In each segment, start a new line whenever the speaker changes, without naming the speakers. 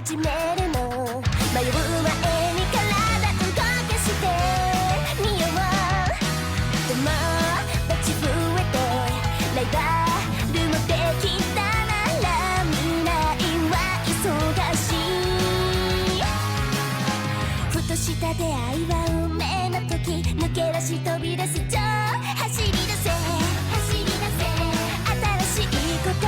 始めるの迷う前に体動かしてみよう友達増えてライバルもできたなら未来は忙しいふとした出会いは運命の時抜け出し飛び出す走り出せ新しいこと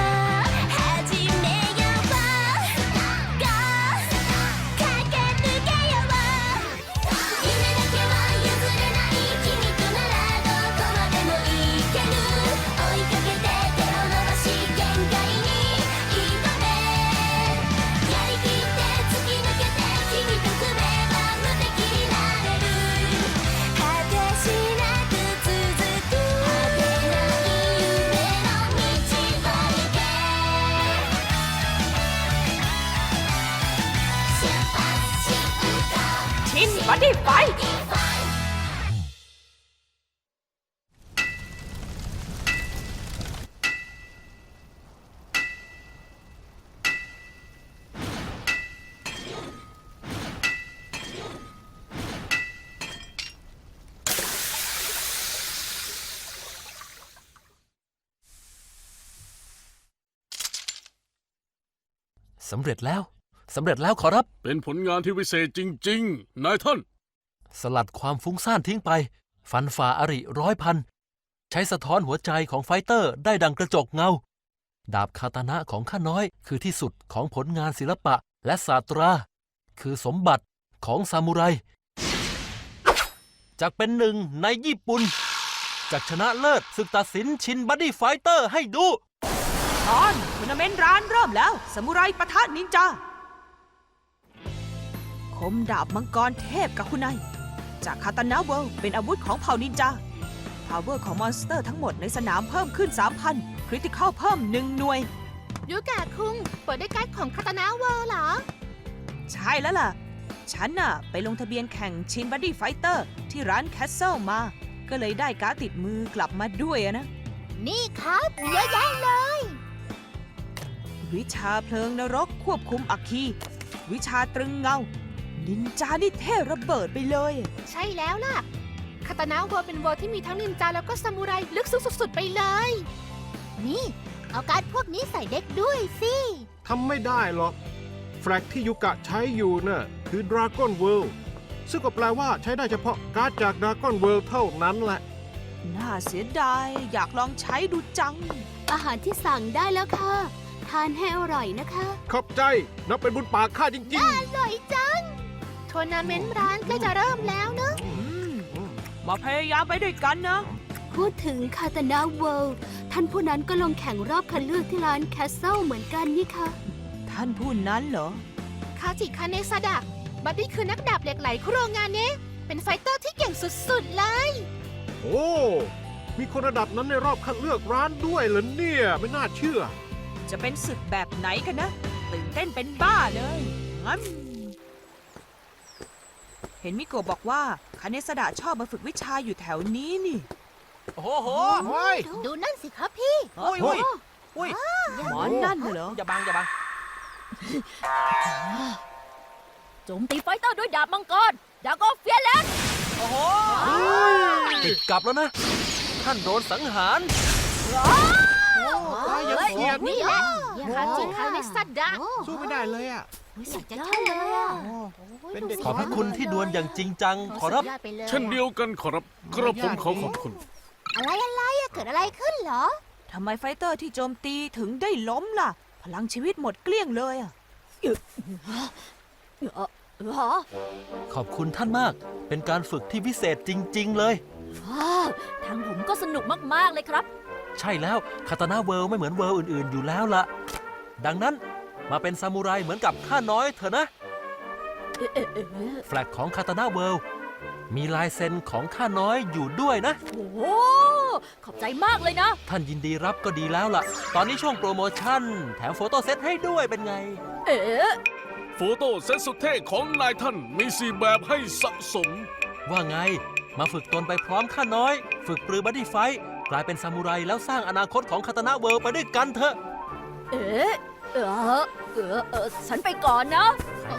บัดดี้ไฟ
สำเร็จแล้วขอรับ
เป็นผลงานที่วิเศษจริงๆนายท่าน
สลัดความฟุ้งซ่านทิ้งไปฟันฝ่าอริร้อยพันใช้สะท้อนหัวใจของไฟเตอร์ได้ดังกระจกเงาดาบคาตานะของข้าน้อยคือที่สุดของผลงานศิลปะและศาสตราคือสมบัติของซามูไรจากเป็นหนึ่งในญี่ปุ่นจากชนะเลิศศึกตัดสินชินบัดดี้ไฟเตอร์ให้ดู
ตอนทัวร์นาเมนต์ร้านเริ่มแล้วซามูไรปะทะนินจาคมดาบมังกรเทพกับคุณนายจากคาตานะเวิลด์เป็นอาวุธของเผ่านินจาพาวเวอร์ของมอนสเตอร์ทั้งหมดในสนามเพิ่มขึ้น 3,000 คริติคอลเพิ่ม1 หน่วย
ยูกะคุงเปิดด้วยการ์ดของคาตานะเวิลด์เหรอ
ใช่แล้วล่ะฉันน่ะไปลงทะเบียนแข่งชินบัดดี้ไฟเตอร์ที่ร้านแคสเซิลมาก็เลยได้การ์ดติดมือกลับมาด้วยนะ
นี่ครับเยอะแยะเลย
วิชาเพลิงนรกควบคุมอัคคีวิชาตรึงเงานินจานี่เท่ระเบิดไปเลย
ใช่แล้วล่ะคาตานะเวิลด์เป็นเวิลด์ที่มีทั้งนินจาแล้วก็ซามูไรลึกซึ้งสุดๆไปเลยนี่เอาการ์ดพวกนี้ใส่เด็กด้วยสิ
ทำไม่ได้หรอกแฟลกที่ยูกะใช้อยู่น่ะคือ Dragon World ซึ่งก็แปลว่าใช้ได้เฉพาะการ์ดจาก Dragon World เท่านั้นแหละ
น่าเสียดายอยากลองใช้ดูจัง
อาหารที่สั่งได้แล้วค่ะทานให้อร่อยนะคะ
ขอบใจนับเป็นบุญปากข้าจริงๆ
อร่อยจังทัวร์นาเมนต์ร้านใกล้จะเริ่มแล้วเนอะ
มาพยายามไปด้วยกันนะ
พูดถึงคาตานะเวิลด์ท่านผู้นั้นก็ลงแข่งรอบคัดเลือกที่ร้านแคสเซิลเหมือนกันนี่ค่ะ
ท่านผู้นั้นเหรอ
คาจิคาเนซาดะบัดดี้คือนักดาบเหล็กไหลคุโรงานเนะเป็นไฟเตอร์ที่เก่งสุดๆเลย
โอ้มีคนระดับนั้นในรอบคัดเลือกร้านด้วยเหรอเนี่ยไม่น่าเชื่อ
จะเป็นศึกแบบไหนกันนะตื่นเต้นเป็นบ้าเลยงั้นเห็นมิโกะบอกว่าคาเนซาดะชอบมาฝึกวิชาอยู่แถวนี้นี่
โอ้โห
ดูนั่นสิครับพี่
อุ้ย
หมอนนั่นเหรอ
อย่าบัง
โจมตีไฟเตอร์ด้วยดาบมังกรดาโกเฟียเลน
โอ้โหติดกลับแล้วนะท่านโดนสังหาร
ยังเกียด
นี่แหละคาจิคาเนซาดะ
สู้ไม่ได้เลยอ่ะ
สุดยอดเลยอ่ะ
ขอบพระคุณที่ดวลอย่างจริงจังขอรับ
เช่นเดียวกันขอรับกระผมขอขอบคุณ
อะไรเกิดอะไรขึ้นเหรอ
ทำไมไฟเตอร์ที่โจมตีถึงได้ล้มล่ะพลังชีวิตหมดเกลี้ยงเลยอ่ะ
ขอบคุณท่านมากเป็นการฝึกที่พิเศษจริงๆเลย
ทางผมก็สนุกมากๆเลยครับ
ใช่แล้วคาตานะเวิลด์ไม่เหมือนเวิลด์อื่นๆอยู่แล้วล่ะดังนั้นมาเป็นซามูไรเหมือนกับข้าน้อยเถอะนะแฟลกของคาตานะเวิลด์มีลายเซ็นของข้าน้อยอยู่ด้วยนะ
โอ้ขอบใจมากเลยนะ
ท่านยินดีรับก็ดีแล้วล่ะตอนนี้ช่วงโปรโมชั่นแถมโฟโต้เซตให้ด้วยเป็นไง
โฟโต้เซตสุดเท่ของนายท่านมี4 แบบให้สะสม
ว่าไงมาฝึกตนไปพร้อมข้าน้อยฝึกปรือบัดดี้ไฟท์กลายเป็นซามูไรแล้วสร้างอนาคตของคาตานะเวิลด์ไปด้วยกันเถอะ
ฉันไปก่อนนะ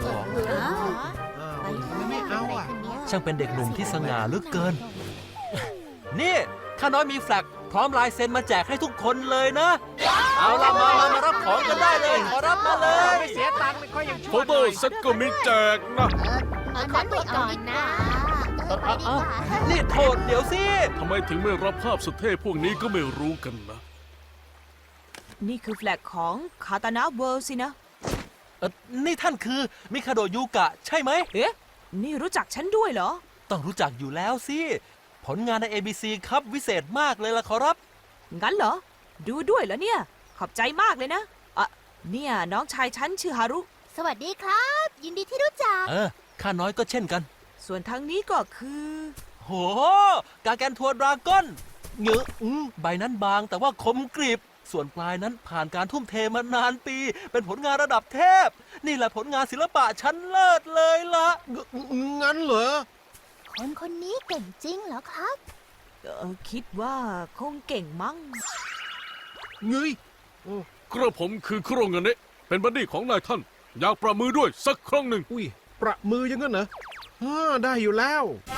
ไม่เอาอ่ะ
ช่างเป็นเด็กหนุ่มที่สง่าเหลือเกิน นี่ข้าน้อยมีแฟลกพร้อมลายเซ็นมาแจกให้ทุกคนเลยนะ เอาละมารับของกันได้เลย ขอรับมาเลย
ไม่เสียตังค์ไม่ค่อยยังชั่
โฟ
วห
โต้
น่อย
เซตก็มีแจกนะ
ขอไปก่อนนะ
นี่โทษเดี๋ยวสิ
ทำไมถึงไม่รับภาพสุดเท่พวกนี้ก็ไม่รู้กันนะ
นี่คือแฟลกของคาตานะเวิลด์สินะ
นี่ท่านคือมิคาโดะยูกะใช่ไหม
เอ๊ะ นี่รู้จักฉันด้วยเหรอ
ต้องรู้จักอยู่แล้วสิ ผลงานใน ABC ครับวิเศษมากเลยล่ะขอรับ
งั้นเหรอ ดูด้วยเหรอเนี่ย ขอบใจมากเลยนะเนี่ยน้องชายฉันชื่อฮารุ
สวัสดีครับ ยินดีที่รู้จัก
ข้าน้อยก็เช่นกัน
ส่วนทางนี้ก็คือ
โห กาแกนทัวร์ดราก้อนเงอะใบนั้นบางแต่ว่าคมกริบ ส่วนปลายนั้นผ่านการทุ่มเทมานานปี เป็นผลงานระดับเทพ นี่แหละผลงานศิลปะชั้นเลิศเลยล่ะ
งั้นเหรอ
คนคนนี้เก่งจริงเหรอครับ
คิดว่าคงเก่งมั้ง
เงย
กระผมคือคุโรงเงเนะเป็นบัดดี้ของนายท่าน อยากประมือด้วยสักครั้งหนึ่ง
อุ้ย ประมืออยังงั้นเหรอได้อยู่แล้ว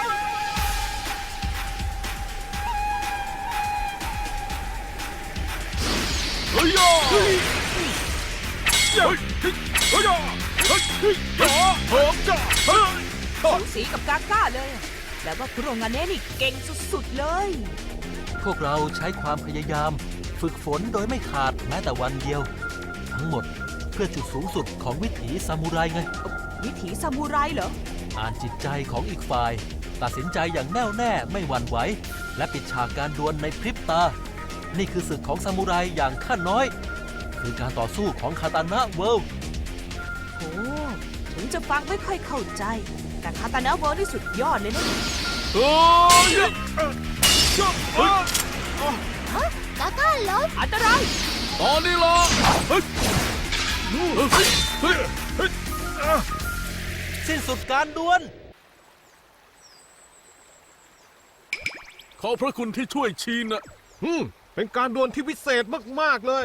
เฮ้ยย่าเฮ้ยเฮ้ยเฮ้ยย่าเฮ้ยย่าเฮ้ยย่าเฮ้ย
สูสีกับกาก้าเลยแต่ว่าคุโรงานเนะนี่เก่งสุดๆเลย
พวกเราใช้ความพยายาม ฝึกฝนโดยไม่ขาดแม้แต่วันเดียว ทั้งหมดเพื่อจุดสูงสุดของวิถีซามูไรไง
วิถีซามูไรเหรอ
อ่านจิตใจของอีกฝ่าย ตัดสินใจอย่างแน่วแน่ไม่หวั่นไหว และปิดฉากการดวลในพริบตา นี่คือศึกของซามูไรอย่างข้าน้อย คือการต่อสู้ของคาตานะเวิลด์
โอ้ถึงจะฟังไม่ค่อยเข้าใจ แต่คาตานะเวิลด์นี่สุดยอดเลยนะ
เฮ้ยเฮ้ย
กาก้าล้ม
อันตราย
ตอนนี้ล่ะเฮ้ยเฮ้ยเฮ้ยเฮ้ย
สิ้นสุดการดวล
ขอบพระคุณที่ช่วยชี้นะ
เป็นการดวลที่วิเศษมากๆเลย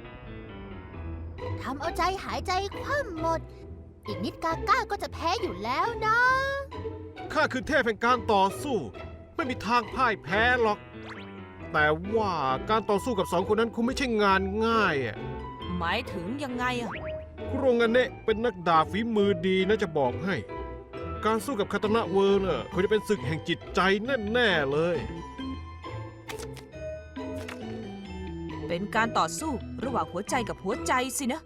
ทำเอาใจหายใจคว่ำหมด อีกนิดกาก้าก็จะแพ้อยู่แล้วนะ
ข้าคือเทพแห่งการต่อสู้ ไม่มีทางพ่ายแพ้หรอก แต่ว่าการต่อสู้กับสองคนนั้นคงไม่ใช่งานง่ายอ่ะ
หมายถึงยังไงอะ
คุโรงานเนะเป็นนักดาบฝีมือดีนะจะบอกให้ การสู้กับคาตานะเวิร์น่ะคงจะเป็นศึกแห่งจิตใจแน่ๆเลย
เป็นการต่อสู้ระหว่างหัวใจกับหัวใจสินะ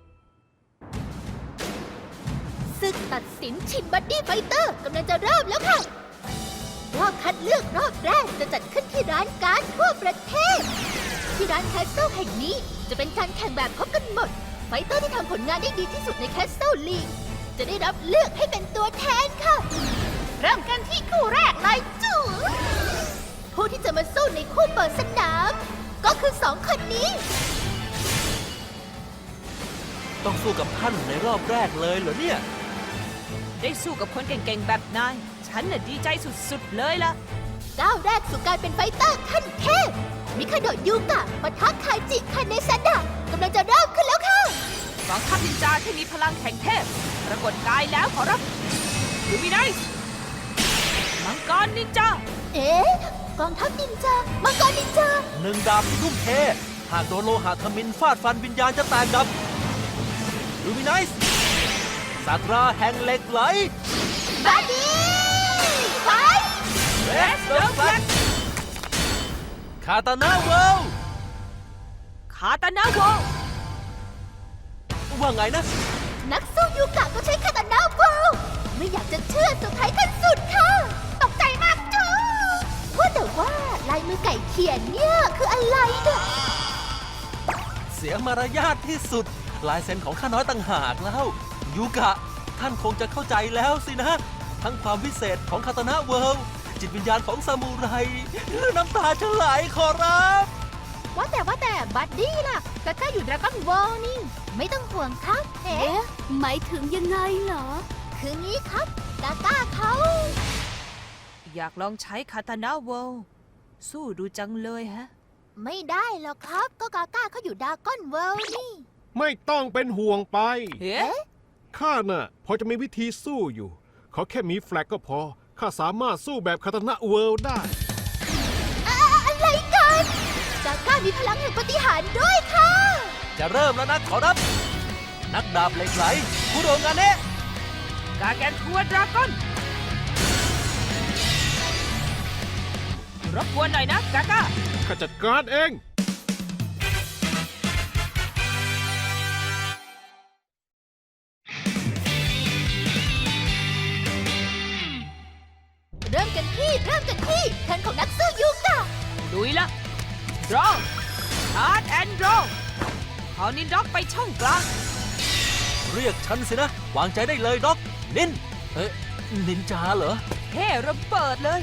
ศึกตัดสินชินบัดดี้ไฟเตอร์กำลังจะเริ่มแล้วค่ะ รอบคัดเลือกรอบแรกจะจัดขึ้นที่ร้านการ์ดทั่วประเทศ ที่ร้านแคสเซิลแห่งนี้จะเป็นการแข่งแบบพบกันหมด ไฟเตอร์ที่ทำผลงานได้ดีที่สุดในแคสเซิลลีกจะได้รับเลือกให้เป็นตัวแทนค่ะ เริ่มกันที่คู่แรกเลยจู๋ผู้ที่จะมาสู้ในคู่เปิดสนาม ก็คือสองคนนี้
ต้องสู้กับท่านในรอบแรกเลยเหรอเนี่ย
ได้สู้กับคนเก่งๆแบบนาย ฉันน่ะดีใจสุดๆเลยล่ะ
ก้าวแรกสู่การเป็นไฟเตอร์ขั้นเทพ มิคาโดะยูกะปะทะคาจิคาเนซาดะกำลังจะเริ่มขึ้นแล้วค่ะ
กองทัพนินจาที่มีพลังแข่งเทพ ปรากฏกายแล้วขอรับลูมิไนส์มังกรนินจา
เอ๊ะ กองทัพนินจา มังกรนินจา
หนึ่งดาบที่ทุ่มเท หากโดนโลหะทมินฟาดฟันวิญญาณจะแตกดับลูมิไนส์ศาสตราแห่งเหล็กไหล
บาดี้ไฟ
เรสเดอร์แฟลกคาตานะเวิลด์
คาตานะโว
ว่าไงนะ
นักสู้ยูกะก็ใช้คาตานาโวไม่อยากจะเชื่อเซอร์ไพรส์ขั้นสุดค่ะ ตกใจมากจ้าว่าแต่ว่าลายมือไก่เขียนเนี่ยคืออะไรเนี่ย
เสียมารยาทที่สุด ลายเซ็นของข้าน้อยต่างหากแล้วยูกะ ท่านคงจะเข้าใจแล้วสินะ ทั้งความวิเศษของคาตานะเวิลด์จิตวิญญาณของซามูไรน้ำตาจะไหลขอรับ
ว่าแต่บัดดี้ล่ะกาก้าอยู่ดราก้อนวอลนี่ ไม่ต้องห่วงครับ เอ๊ะ หมายถึงยังไงเหรอ คืองี้ครับกาก้าเขา
อยากลองใช้คาตานะโวสู้ดูจังเลยฮะ
ไม่ได้หรอกครับ ก็กาก้าเขาอยู่ดราก้อนเวิลด์นี่
ไม่ต้องเป็นห่วงไป
เฮ้
ข้าน่ะพอจะมีวิธีสู้อยู่ ขอแค่มีแฟลกก็พอ ข้าสามารถสู้แบบคาตานะเวิลด์ได้
อะไรกันกาก้ามีพลังแห่งปาฏิหาริย์ด้วยค่ะ
จะเริ่มแล้วนะขอรับ นักดาบเหล็กไหลคุโรงาเนะ
กาแกนทัวดราก้อนรบกวนหน่อยนะกาก้า
ข้าจัดการเอง
เริ่มกันที่เทิร์นของนักสู้ยูกะ
ลุยละรอชาร์จแอนด์รอเอานินด็อกไปช่องกลาง
เรียกฉันสินะ วางใจได้เลยด็อกนินนินจาเหรอ
เท่ระเบิดเลย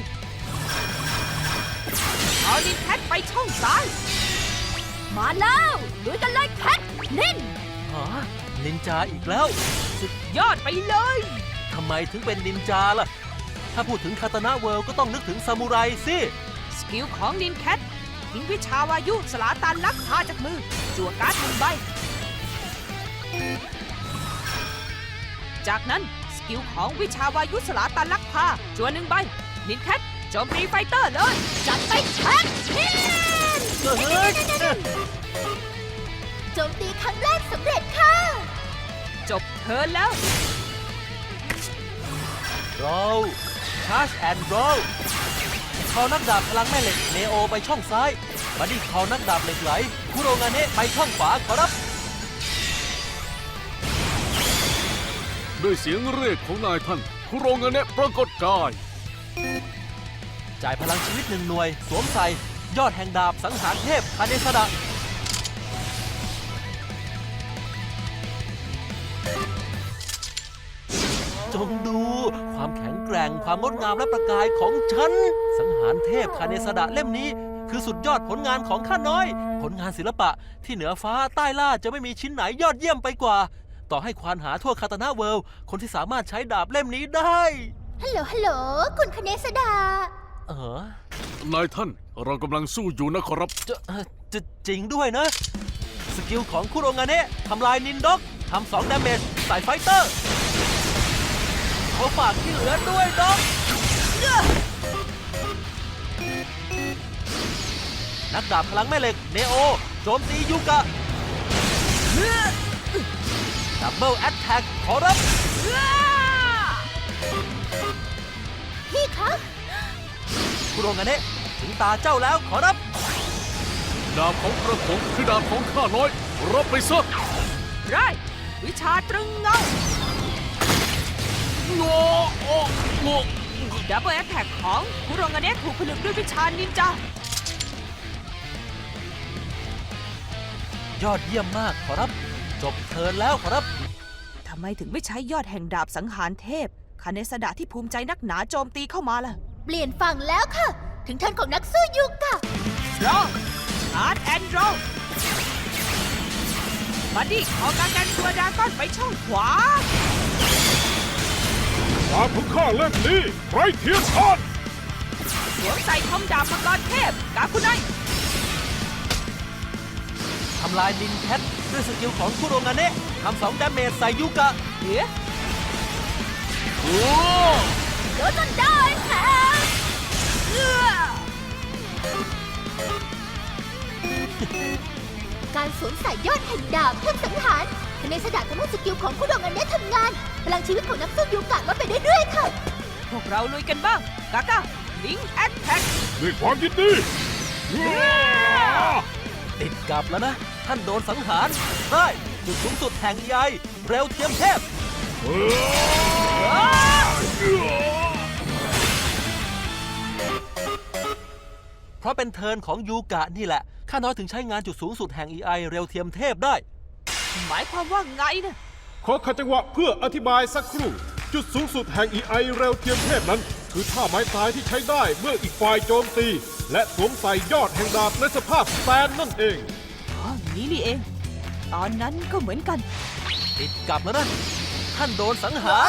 เอานินแคทไปช่องซ้าย
มาแล้วลุยกันเลยแคทลิน
ฮะนินจาอีกแล้ว
สุดยอดไปเลย
ทำไมถึงเป็นนินจาล่ะ ถ้าพูดถึงคาตานะเวิลด์ก็ต้องนึกถึงซามูไรสิ
สกิลของนินแคททิ้งวิชาวายุสลาตันลักพาจากมือ จั่วการ์ด1 ใบ จากนั้นสกิลของวิชาวายุสลาตันลักพาจั่ว1 ใบ นินแคทโจมตีไฟเตอร์เลย
จัดไปแคทลิน
เฮ้ย
โจมตีครั้งแรกสำเร็จค่ะ
จบเทิร์นแล้ว
โรลชาร์จแอนด์โรลคอนักดาบพลังแม่เหล็กเนโอไปช่องซ้ายบัดดี้คอนักดาบเหล็กไหลคุโรงาเนะไปช่องขวาขอรับ
ด้วยเสียงเรียกของนายท่านคุโรงาเนะปรากฏกาย
จ่ายพลังชีวิต1 หน่วย สวมใส่ยอดแห่งดาบสังหารเทพคาเนซาดะจงดูความแข็งแกร่งความงดงามและประกายของฉัน สังหารเทพคาเนซาดะเล่มนี้ คือสุดยอดผลงานของข้าน้อย ผลงานศิลปะที่เหนือฟ้าใต้ล่าจะไม่มีชิ้นไหนยอดเยี่ยมไปกว่า ต่อให้ควานหาทั่วคาตานะเวิลด์คนที่สามารถใช้ดาบเล่มนี้ได้
ฮัลโหล คุณคเนสดา
นายท่านเรากำลังสู้อยู่นะขอรับ
จะจริงด้วยนะ สกิลของคุโรงาเนะทำลายนินด็อกทำ2 ดาเมจใส่ไฟเตอร์เขาฝากที่เหลือด้วยด็อกนักดาบพลังแม่เหล็กเนโอโจมตียูกะดับเบิลแอตแทกขอรับ
พี่คะ
คุโรงาเนะถึงตาเจ้าแล้วขอรับ
ดาบของกระผมคือดาบของข้าน้อย รับไปซะ
ไรวิชาตรึงเงา
งอโอ้งอ
ดับเบิลแอตแทกของคุโรงาเนะถูกผลึกด้วยวิชานินจา
ยอดเยี่ยมมากขอรับ จบเทิร์นแล้วขอรับ
ทำไมถึงไม่ใช้ยอดแห่งดาบสังหารเทพคาเนสดะที่ภูมิใจนักหนาโจมตีเข้ามาล่ะ
เปลี่ยนฝั่งแล้วค่ะ ถึงเทิร์นของนักสู้ยูกะ
รออาร์ตแอนด์โรบัดดี้ขอการกันตัวดราก้อนไปช่องขวา
ดาบของข้าเล่มนี้ไร้เทียมทาน
สวมใส่คอมดาบมังกรเทพกาคุไน
ทำลายนินแคทด้วยสกิลของคุโรงาเนะทำ2 ดาเมจใส่ยูกะ
เฮ้ย
โอ้
โดนจนได้ค่ะ การสวมใส่ยอดแห่งดาบเพื่อสังหารคเนสดาทำให้สกิลของผู้ดองอันเนี้ทำงาน พลังชีวิตของนักสู้ยูกะลดไปเรื่อยๆค่ะ
พวกเราลุยกันบ้าง กาก้าลิงแอตแทก
ด้วยความยินดี
ติดกลับแล้วนะ ท่านโดนสังหารได้จุดสูงสุดแห่งใยเร็วเทียมเทพ เพราะเป็นเทิร์นของยูกะนี่แหละ ข้าน้อยถึงใช้งานจุดสูงสุดแห่ง EI เร็วเทียมเทพได้
หมายความว่าไงนะ
ขอขัดจังหวะเพื่ออธิบายสักครู่ จุดสูงสุดแห่ง EI เร็วเทียมเทพนั้น คือท่าไม้ตายที่ใช้ได้เมื่ออีกฝ่ายโจมตี และสวมใส่ยอดแห่งดาบในสภาพสแตนนั่นเอง
อ๋อนี้นี่เอง ตอนนั้นก็เหมือนกัน
ติดกลับแล้วนะ ท่านโดนสังหาร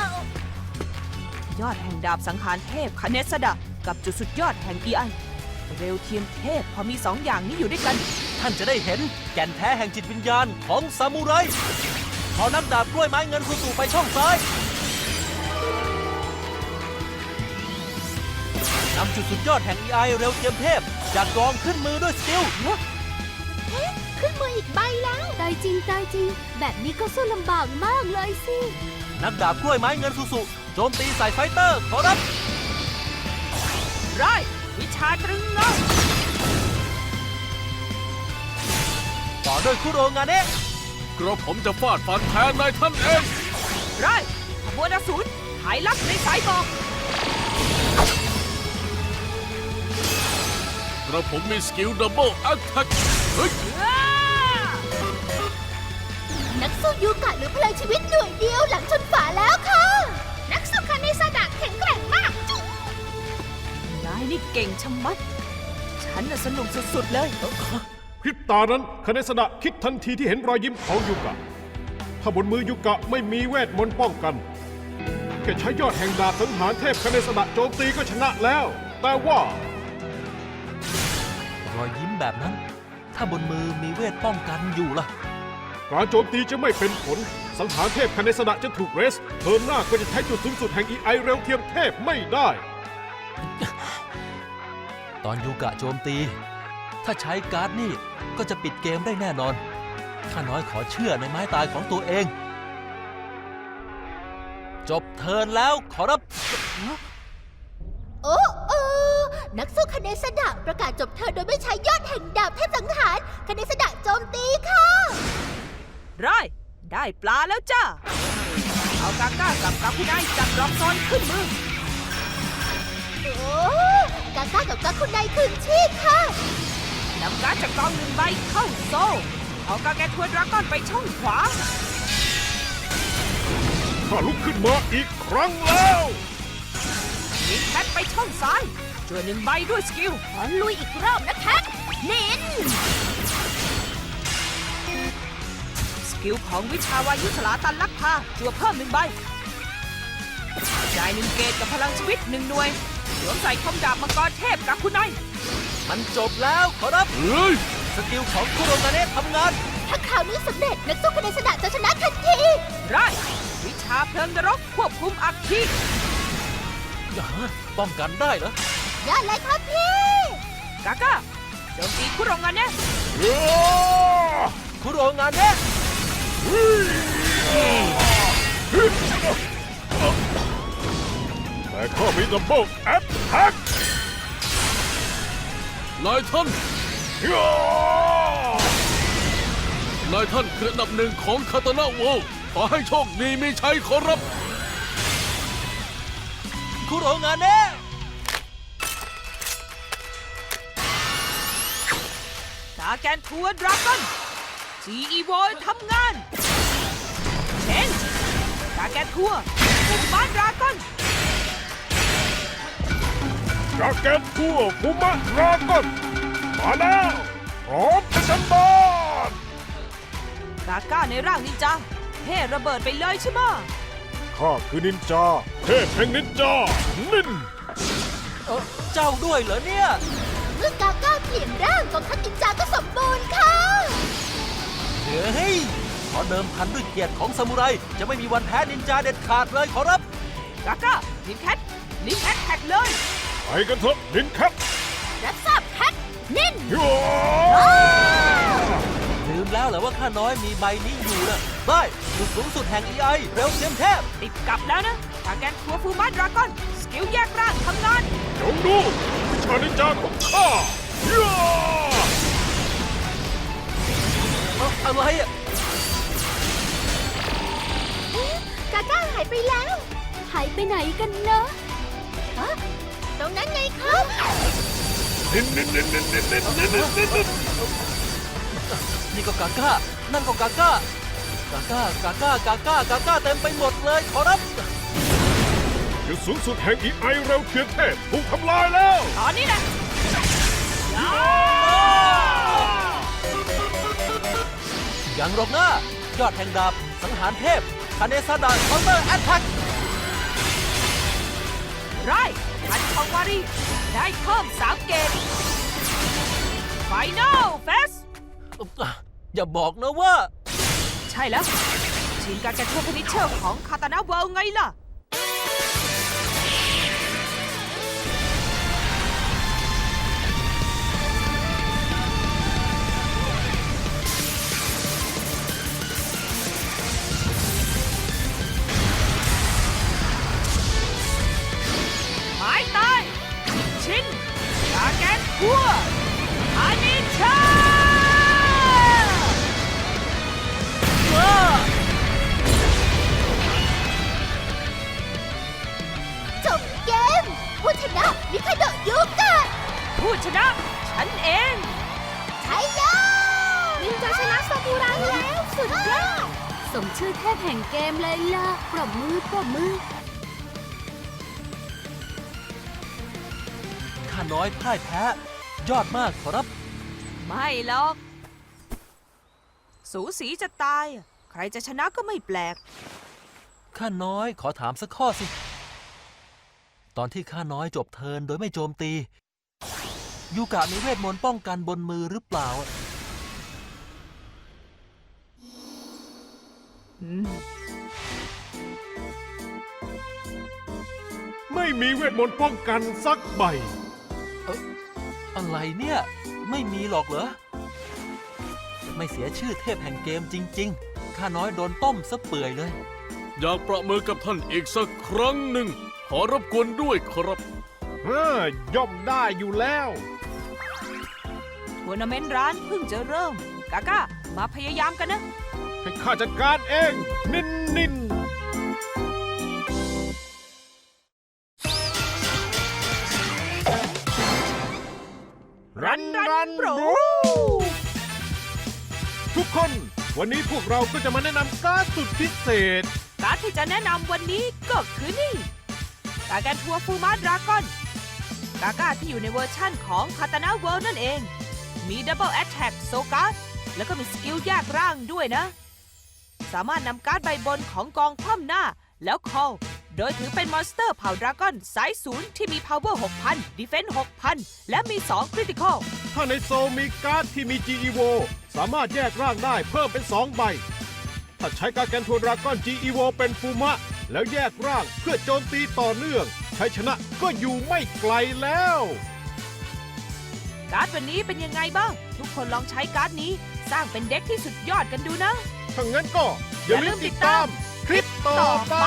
ยอดแห่งดาบสังหารเทพคาเนสดะกับจุดสุดยอดแห่ง EI เร็วเทียมเทพพอมีสองอย่างนี้อยู่ด้วยกัน
ท่านจะได้เห็นแก่นแท้แห่งจิตวิญญาณของซามูไรขอนักดาบกล้วยไม้เงินสู่ไปช่องซ้ายนำจุดสุดยอดแห่ง EI เร็วเทียมเทพจากกองขึ้นมือด้วยสกิล
ขึ้นมืออีกใบแล้วตายจริงตายจริง แบบนี้ก็สู้ลำบากมากเลยสิ
นักดาบกล้วยไม้เงินสุโจมตีใส่ไฟเตอร์ขอรับ
ไรวิชาตรึงเงา
ต่อด้วยคุโรงาเนะ
กระผมจะฟาดฟันแทนนายท่านเอง
ไรขบวนอสูรหายลับในสายบอก
กระผมมีสกิลดับเบิลแอตแทกเฮ้ย
นักสู้ยูกะหรือพลังชีวิตหน่วยเดียวหลังชนฝาแล้วค่ะ นักสู้คาเนซาดะแข็งแกร่งมากจุ๊บ
นายนี่เก่งชะมัด ฉันน่ะสนุกสุดๆเลย
พริบตานั้นคเนสดะคิดทันทีที่เห็นรอยยิ้มของยูกะ ถ้าบนมือยูกะไม่มีเวทมนต์ป้องกันแค่ใช้ยอดแห่งดาบสังหารเทพคเนสดะโจมตีก็ชนะแล้ว แต่ว่าร
อยยิ้มแบบนั้น ถ้าบนมือมีเวทป้องกันอยู่ล่ะ
การโจมตีจะไม่เป็นผล สังหารเทพคเนสดะจะถูกเรสเทิร์นหน้าก็จะใช้จุดสูงสุดแห่ง EI เร็วเทียมเทพไม่ได้
ตอนยูกะโจมตี ถ้าใช้การ์ดนี่ก็จะปิดเกมได้แน่นอนข้าน้อยขอเชื่อในไม้ตายของตัวเอง จบเทิร์นแล้วขอรับ
โอ้นักสู้คาเนซาดะประกาศจบเธอโดยไม่ใช้ยอดแห่งดาบเทพสังหารคาเนซาดะโจมตีค่ะ
ไรได้ปลาแล้วจ้า เอากาก้ากับกาคุไนจับรอบซอนขึ้นมือ
โอ้กาก้ากับกาคุณนายคืนชีพค่ะ
นำการ์ดจากกองหนึ่งใบเข้าโซ่ เอากาแกทัวดราก้อนไปช่องขวา
ข้าลุกขึ้นมาอีกครั้งแล้ว
ลิงแคทไปช่องซ้ายช่วยหนึ่งใบด้วยสกิล
ขอลุยอีกรอบนะแคทนิน
สกิลของวิชาวายุสลาตันลักพาจั่วเพิ่มหนึ่งใบจ่ายหนึ่งเกตกับพลังชีวิตหนึ่งหน่วยสวมใส่คมดาบมังกรเทพกับคุณนาย
มันจบแล้วขอรับ
เฮ้ย
สกิลของคุโรงาเนะทำงาน
ถ้าข่าวนี้สำเร็จนักสู้คาเนซาดะจะชนะทันที
ไรวิชาเพลิงนรกควบคุมอัคคี
ป้องกันได้เหรอ
ยอดเลยครับพี่
กาก้าโจมตีคุโรงานเนะ
คุโรงาเนะ
แต่ข้ามีดับเบิลแอตแทก
นายท่าน นายท่านคืออันดับหนึ่งของคาตานะโวลด์ขอให้โชคดีมีชัยขอรับ
คุโรงาเนะ
กาแกนทัวดราก้อนจีอีโวทำงานเชนกาแกนทัวฟูมาดราก้อน
กาเกตทัวฟูมะราก้อนมาแล้วพร้อมประชันบาน
กาก้าในร่างนินจาเท่ระเบิดไปเลยใช่ไหมะ
ข้าคือนินจา เทพแห่งนินจา นิน
เจ้าด้วยเหรอเนี่ย
เมื่อกาก้าเปลี่ยนร่างกองทัพนินจาก็สมบูรณ์ค่ะ
เฮ้ย ขอเดิมพันด้วยเกียรติของซามูไรจะไม่มีวันแพ้นินจาเด็ดขาดเลยขอรับ
กาก้าลิงแคทลิงแอทแท็กเลย
ไปกันเถอะนินแคป
รับทราบแคทนิน
ลืมแล้วเหรอว่าข้าน้อยมีใบนี้อยู่นะได้จุดสูงสุดแห่ง EI เร็วเทียมเทพ
ติดกลับแล้วนะกาแกนทัวฟูมาดราก้อนสกิลแยกร่างทำงาน
จงดูวิชานินจาของข้า
อะไรอ่ะ
กาก้าหายไปแล้ว หายไปไหนกันเนาะฮะตรงนั้นไงครับ
นิน
นี่ก็กาก้า นั่นก็กาก้า กาก้า กาก้า กาก้า กาก้าเต็มไปหมดเลยขอรับ
จุดสูงสุดแห่ง EI เร็วเทียมเทพถูกทำลายแล้ว
ตอนนี้แหละ
ยังหรอกนะยอดแห่งดาบ สังหารเทพคาเนซาดะเคาน์เตอร์แอตแทก
ไรพันชองวารีได้เพิ่ม3 เกต Final Phase
อย่าบอกนะว่า
ใช่แล้วชินการจะทั่วพินิชเชอร์ของคาตานาเวิลด์ไงล่ะ หมายตาย ชินกาแกนทั่วอานิชา
จบเกม ผู้ชนะมิคาโดะยูกะ
ผู้ชนะฉันเอง
ใช่แล้วนินจาชนะซากุระแล้วสุดยอด
สมชื่อเทพแห่งเกมเลยล่ะ ปรบมือ ปรบมือ
ข้าน้อยพ่ายแพ้ ยอดมากขอรับ
ไม่หรอก สูสีจะตาย ใครจะชนะก็ไม่แปลก
ข้าน้อยขอถามสักข้อสิ ตอนที่ข้าน้อยจบเทิร์นโดยไม่โจมตี ยูกะมีเวทมนต์ป้องกันบนมือหรือเปล่า
ไม่มีเวทมนต์ป้องกันสักใบ
อะไรเนี่ย ไม่มีหรอกเหรอ ไม่เสียชื่อเทพแห่งเกมจริงๆ ข้าน้อยโดนต้มซะเปื่อยเลย
อยากประมือกับท่านอีกสักครั้งหนึ่ง ขอรบกวนด้วยครับ
ย่อมได้อยู่แล้ว
ทัวร์นาเมนต์ร้านเพิ่งจะเริ่ม กาก้ามาพยายามกันนะ
ให้ข้าจัดการเอง นินรัน
โปร
ทุกคน วันนี้พวกเราก็จะมาแนะนำการ์ดสุดพิเศษ
การ์ดที่จะแนะนำวันนี้ก็คือนี่ กาแกนทัวร์ฟูมาดราก้อน กาก้าที่อยู่ในเวอร์ชั่นของคาตานาเวิลด์นั่นเอง มีดับเบิลแอตแทกโซการ์ดแล้วก็มีสกิลแยกร่างด้วยนะ สามารถนำการ์ดใบบนของกองคว่ำหน้า แล้ว call โดยถือเป็นมอนสเตอร์เผ่าดราก้อนสายศูนย์ที่มี power 6,000 defense 6,000 และมี 2 critical
ถ้าในโซลมีการ์ดที่มี GEVO สามารถแยกร่างได้เพิ่มเป็น 2 ใบ ถ้าใช้การแกนทัวร์ดราก้อน GEVO เป็นฟูมะ แล้วแยกร่างเพื่อโจมตีต่อเนื่องชัยชนะก็อยู่ไม่ไกลแล้ว
การ์ดวันนี้เป็นยังไงบ้าง ทุกคนลองใช้การ์ดนี้สร้างเป็นเด็กที่สุดยอดกันดูนะ
ถ้างั้นก็อย่าลืมติดตามคลิปต่อไป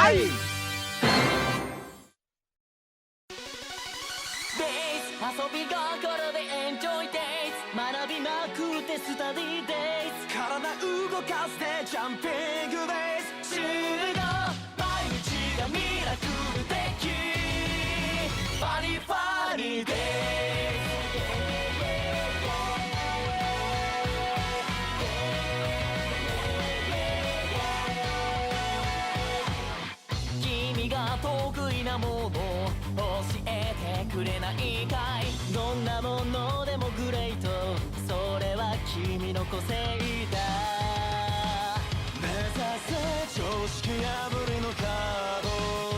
遊び心でエンジョイデイズ学びまくってスタディデイズ体動かしてジャンピングデイズ集合毎日がミラクル的ファニーファニーデイズ君が得意なもの教えてくれないかいどんなものでもグレートそれは君の個性だ目指せ常識破りのカード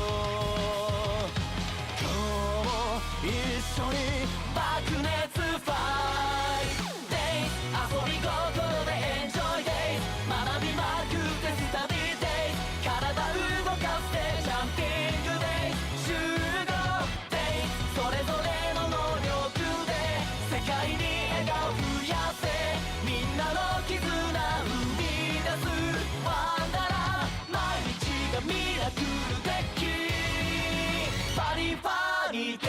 今日も一緒に爆熱ファイトデイズ遊び心でエンジョイデイズ学びまくってスタディデイズ体動かしてジャンピングデイズ集合デイズそれぞれの能力で世界に笑顔増やせみんなの絆生み出すワンダラー毎日がミラクル的ファニーファニーデイズ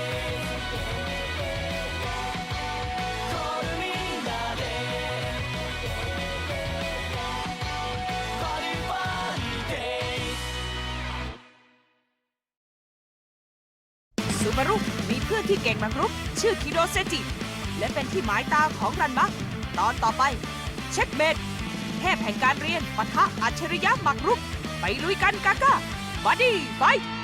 コールみんなでファニーファニーデイズ
ซูบารุมีเพื่อนที่เก่งหมากรุก ชื่อคิโรเซจิ และเป็นที่หมายตาของรันมะ ตอนต่อไป เช็คเมดเทพแห่งการเรียนปะทะอัจฉริยะหมากรุก ไปลุยกันกาก้าบัดดี้ไฟท์